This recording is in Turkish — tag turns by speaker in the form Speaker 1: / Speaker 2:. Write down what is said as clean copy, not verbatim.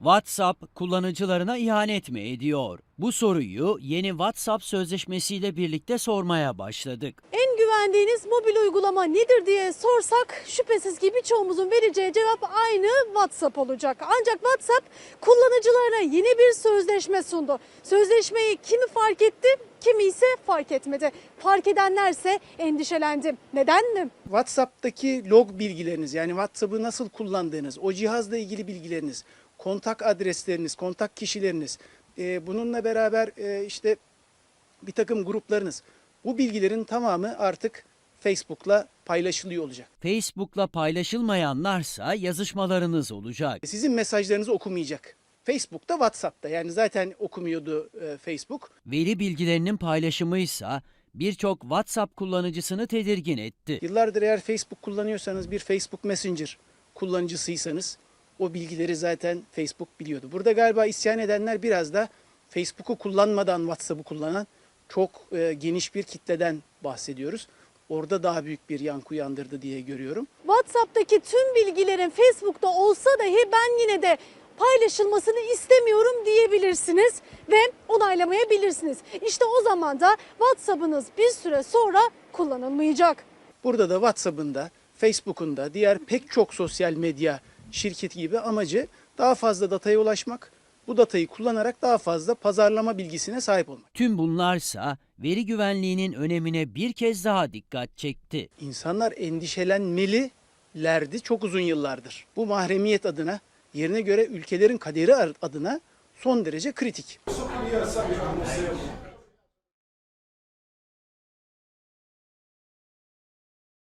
Speaker 1: WhatsApp kullanıcılarına ihanet mi ediyor? Bu soruyu yeni WhatsApp sözleşmesiyle birlikte sormaya başladık.
Speaker 2: En güvendiğiniz mobil uygulama nedir diye sorsak şüphesiz ki birçoğumuzun vereceği cevap aynı WhatsApp olacak. Ancak WhatsApp kullanıcılarına yeni bir sözleşme sundu. Sözleşmeyi kimi fark etti, kimi ise fark etmedi. Fark edenlerse endişelendi. Neden mi?
Speaker 3: WhatsApp'taki log bilgileriniz, yani WhatsApp'ı nasıl kullandığınız, o cihazla ilgili bilgileriniz, kontak adresleriniz, kontak kişileriniz, bununla beraber işte bir takım gruplarınız, bu bilgilerin tamamı artık Facebook'la paylaşılıyor olacak.
Speaker 1: Facebook'la paylaşılmayanlarsa yazışmalarınız olacak.
Speaker 3: Sizin mesajlarınızı okumayacak. Facebook'ta, WhatsApp'ta, yani zaten okumuyordu Facebook.
Speaker 1: Veri bilgilerinin paylaşımıysa birçok WhatsApp kullanıcısını tedirgin etti.
Speaker 3: Yıllardır eğer Facebook kullanıyorsanız, bir Facebook Messenger kullanıcısıysanız o bilgileri zaten Facebook biliyordu. Burada galiba isyan edenler biraz da Facebook'u kullanmadan WhatsApp'ı kullanan çok geniş bir kitleden bahsediyoruz. Orada daha büyük bir yankı uyandırdı diye görüyorum.
Speaker 2: WhatsApp'taki tüm bilgilerin Facebook'ta olsa dahi ben yine de paylaşılmasını istemiyorum diyebilirsiniz ve onaylamayabilirsiniz. İşte o zaman da WhatsApp'ınız bir süre sonra kullanılmayacak.
Speaker 3: Burada da WhatsApp'ın da, Facebook'un da, diğer pek çok sosyal medya şirketi gibi amacı daha fazla dataya ulaşmak, bu datayı kullanarak daha fazla pazarlama bilgisine sahip olmak.
Speaker 1: Tüm bunlarsa veri güvenliğinin önemine bir kez daha dikkat çekti.
Speaker 3: İnsanlar endişelenmelilerdi çok uzun yıllardır. Bu mahremiyet adına, yerine göre ülkelerin kaderi adına son derece kritik.